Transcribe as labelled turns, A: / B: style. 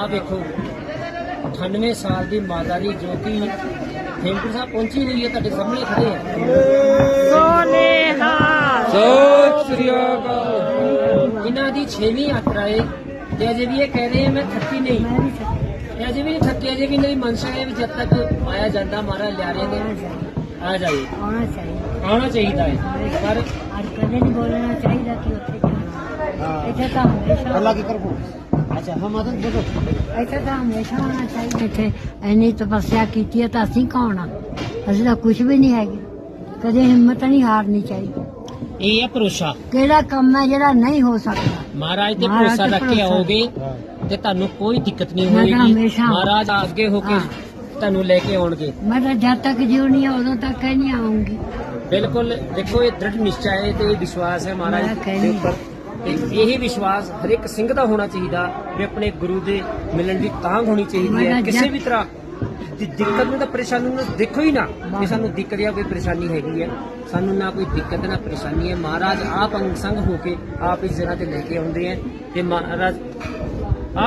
A: ਆਹ ਵੇਖੋ 98 ਸਾਲ ਦੀ ਮਾਤਾ ਦੀ ਜੋ ਕਿ ਹੇਮਕੁੰਟ ਸਾਹਿਬ ਪਹੁੰਚੀ ਹੋਈ ਹੈ, ਤੁਹਾਡੇ ਸਾਹਮਣੇ ਖੜੇ ਆ। ਸਤਿ ਸ੍ਰੀ ਅਕਾਲ। ਇਹਨਾਂ ਦੀ 6ਵੀਂ ਯਾਤਰਾ ਹੈ ਤੇ ਅਜੇ ਵੀ ਇਹ ਕਹਿ ਰਹੇ ਆ ਮੈਂ ਥੱਕੀ ਨਹੀਂ, ਇਹ ਅਜੇ ਵੀ ਨਹੀਂ ਥੱਕੇ। ਅਜੇ ਵੀ ਇਹਨਾਂ ਦੀ ਮਨਸ਼ਾ ਹੈ ਵੀ ਜਦ ਤੱਕ ਆਇਆ ਜਾਂਦਾ ਮਹਾਰਾਜ ਲਿਆਰੇ ਦੇ ਆ ਜਾਏ, ਆਉਣਾ ਚਾਹੀਦਾ ਹੈ। ਪਰ
B: ਕਦੇ ਨਹੀਂ ਬੋਲਣਾ ਚਾਹੀਦਾ ਕਿ ਉੱਥੇ ਜਾਣਾ। ਇੱਥੇ ਤਾਂ ਹਮੇਸ਼ਾ
A: ਅੱਲਾ ਕੀ ਕਰਬੋ। ਅੱਛਾ ਹਾਂ ਮਾਤਾ ਬੋਲੋ।
B: ਇੱਥੇ ਤਾਂ ਹਮੇਸ਼ਾ ਹੋਣਾ ਚਾਹੀਦਾ। ਇੱਥੇ ਇੰਨੀ ਤਪੱਸਿਆ ਕੀਤੀ ਹੈ ਤਾਂ ਅਸੀਂ ਕੌਣ ਆ? ਅਸੀਂ ਤਾਂ ਕੁਝ ਵੀ ਨਹੀਂ ਹੈਗੇ। ਕਦੇ ਹਿੰਮਤ ਨਹੀਂ ਹਾਰਨੀ ਚਾਹੀਦੀ।
A: ਇਹ ਹੈ ਭਰੋਸਾ।
B: ਕਿਹੜਾ ਕੰਮ ਹੈ ਜਿਹੜਾ ਨਹੀਂ ਹੋ ਸਕਦਾ?
A: ਮਹਾਰਾਜ ਤੇ ਭਰੋਸਾ ਰੱਖ ਕੇ ਆਓਗੇ ਤੇ ਤੁਹਾਨੂੰ ਕੋਈ ਦਿੱਕਤ ਨਹੀਂ ਹੋਏਗੀ। ਮਹਾਰਾਜ ਅੱਗੇ ਹੋ ਕੇ ਤੁਹਾਨੂੰ ਲੈ ਕੇ ਆਉਣਗੇ।
B: ਮੈਂ ਤਾਂ ਜਦ ਤੱਕ ਜਿਉਣੀ ਆ ਉਦੋਂ ਤੱਕ ਨਹੀਂ ਆਉਂਗੀ।
A: ਬਿਲਕੁਲ ਦੇਖੋ ਇਹ ਦ੍ਰਿੜ ਨਿਸ਼ਚਾ ਹੈ ਤੇ ਇਹ ਵਿਸ਼ਵਾਸ ਹੈ ਮਹਾਰਾਜ ਦੇ ਉੱਪਰ ਤੇ ਇਹ ਵਿਸ਼ਵਾਸ ਹਰ ਇੱਕ ਸਿੰਘ ਦਾ ਹੋਣਾ ਚਾਹੀਦਾ ਵੀ ਆਪਣੇ ਗੁਰੂ ਦੇ ਮਿਲਣ ਦੀ ਤਾਂਘ ਹੋਣੀ ਚਾਹੀਦੀ ਹੈ। ਕਿਸੇ ਵੀ ਤਰ੍ਹਾਂ ਦੀ ਦਿੱਕਤ ਨੂੰ ਤਾਂ ਪਰੇਸ਼ਾਨੀ ਨੂੰ ਦੇਖੋ ਹੀ ਨਾ ਕਿ ਸਾਨੂੰ ਦਿੱਕਤ ਜਾਂ ਕੋਈ ਪਰੇਸ਼ਾਨੀ ਹੈਗੀ ਹੈ। ਸਾਨੂੰ ਨਾ ਕੋਈ ਦਿੱਕਤ ਨਾ ਪਰੇਸ਼ਾਨੀ ਹੈ। ਮਹਾਰਾਜ ਆਪ ਅੰਗ ਸੰਗ ਹੋ ਕੇ ਆਪ ਇਸ ਜਗ੍ਹਾ ਤੇ ਲੈ ਕੇ ਆਉਂਦੇ ਹੈ ਤੇ ਮਹਾਰਾਜ